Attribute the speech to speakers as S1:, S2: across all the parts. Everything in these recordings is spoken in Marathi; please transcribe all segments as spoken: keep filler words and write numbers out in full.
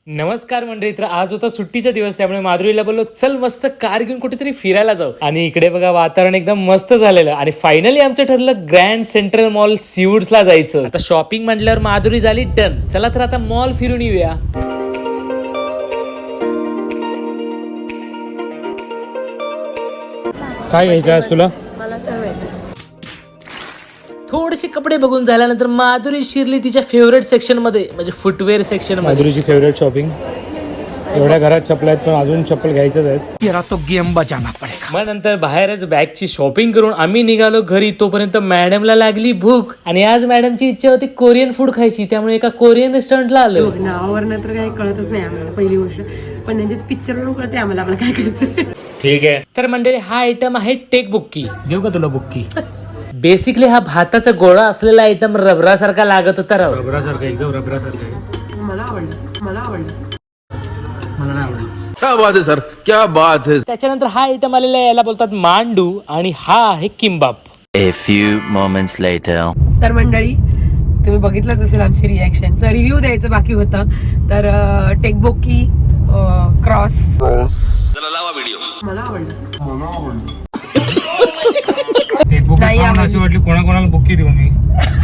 S1: नमस्कार मंडळी. तर आज होता सुट्टीचा दिवस, त्यामुळे माधुरीला बोललो चल मस्त कार घेऊन कुठेतरी फिरायला जाऊ. आणि इकडे बघा वातावरण एकदम मस्त झालेलं आणि फायनली आमचं ठरलं ग्रँड सेंट्रल मॉल सीवूड्सला जायचं. आता शॉपिंग म्हटल्यावर माधुरी झाली डन. चला तर आता मॉल फिरून येऊया. काय घ्यायचं आज तुला? थोडेसे कपडे बघून झाल्यानंतर माधुरी शिरली तिच्या फेवरेट सेक्शन मध्ये, म्हणजे फुटवेअर सेक्शन मध्ये. माधुरीची फेवरेट शॉपिंग. एवढ्या घरात चप्पल आहेत पण अजून चप्पल घ्यायचंच आहेत. तो गेम बजाना पडेगा. मग नंतर बाहेरच बॅगची शॉपिंग करून आम्ही निघालो घरी. तोपर्यंत मॅडमला लागली भूक आणि आज मॅडमची इच्छा होती कोरियन फूड खायची, त्यामुळे एका कोरियन रेस्टॉरंटला आलो.
S2: नावावरनं तर काही कळतच नाही आम्हाला पहिली गोष्ट, पण त्यांच्या पिक्चरवरून कळते आम्हाला आपलं काय खायचं.
S1: ठीक आहे. तर मंडळी हा आयटम आहे टेक बुक्की. देऊ का तुला बुक्की? बेसिकली हा भाताचा गोळा असलेला आयटम रबरासारखा लागत होता. राव रबरासारखा, एकदम रबरासारखा.
S2: मला आवडलं मला आवडलं
S1: मला नाही आवडलं.
S3: क्या बात है सर, क्या बात है.
S1: त्याच्यानंतर हा आयटम आलेला आहे, याला बोलतात मांडू, आणि हा आहे किंबाप.
S4: A few moments later.
S2: तर मंडळी तुम्ही बघितलंच असेल आमची रिॲक्शन. तर रिव्ह्यू द्यायचं बाकी होतं. तर टेकबोकी क्रॉस मला आवडलं. नाही
S1: अशी वाटली कोणाकोणाला बुक्की देऊ मी.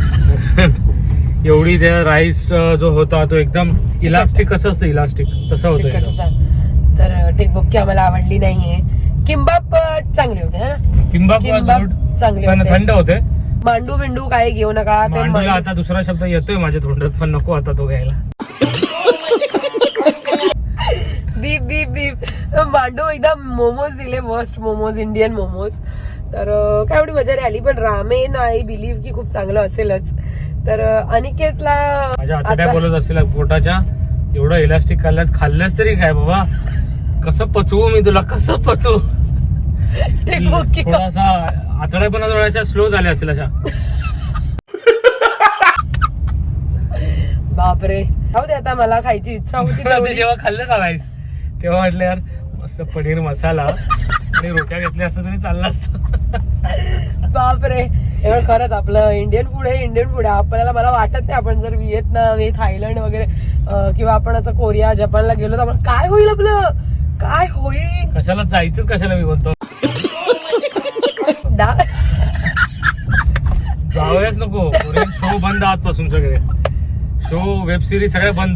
S1: एवढी त्या राईस जो होता तो एकदम इलास्टिक, कसं असतं इलास्टिक तसं होतं.
S2: तर टेकबोकी आम्हाला आवडली नाहीये. किंबाप चांगले होते ना.
S1: किंबाप
S2: चांगले
S1: पण
S2: होते.
S1: थंड होते.
S2: मांडू बिंडू काय घेऊ नका. ते
S1: मांडूला आता दुसरा शब्द येतोय माझ्या तोंडात, पण नको आता तो घ्यायला.
S2: बीप बीप बीप. मांडू एकदम मोमोज दिले, मस्त मोमोज, इंडियन मोमोज. तर काय एवढी मजा नाही आली, पण रामेन आय बिलीव्ह की खूप चांगलं असेलच. तर अनिकेतला
S1: माझ्या आता बोलत असेल पोटाच्या एवढं इलास्टिक खाल्ल्यास खाल्ल्यास तरी काय बाबा, कसं पचवू मी तुला, कसं पचवू. थोडासा आतड्या पण थोड्याशा स्लो झाल्या असतील अशा.
S2: बापरे, जाऊ दे आता. मला खायची इच्छा होती.
S1: जेव्हा खाल्लं ना राईस तेव्हा म्हटलं यार मस्त पनीर मसाला आणि रोट्या घेतल्या असतं तरी चाललं असतं.
S2: बापरे, एवढं खरंच आपलं इंडियन फूड हे इंडियन फूड आहे. आपल्याला मला वाटत नाही आपण जर व्हिएतनाम हे थायलंड वगैरे किंवा आपण असं कोरिया जपानला गेलो तर आपण काय होईल, आपलं काय होईल.
S1: कशाला जायचंच कशाला मी बोलतो. जाऊयाच नको. कोरियन शो बंद आजपासून, सगळे शो वेब सिरीज सगळे बंद.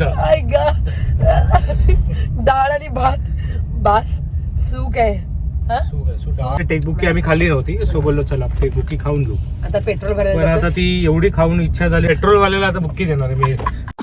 S2: डाळ आणि भात बास सूक आहे.
S1: टेकबुकी आम्ही खाल्ली नव्हती, सो बोललो चला टेकबुकी खाऊन घेऊ.
S2: आता पेट्रोल
S1: पण
S2: भरायला
S1: आता ती एवढी खाऊन इच्छा झाली. पेट्रोल वाल्याला आता बुक्की देणार आहे मी.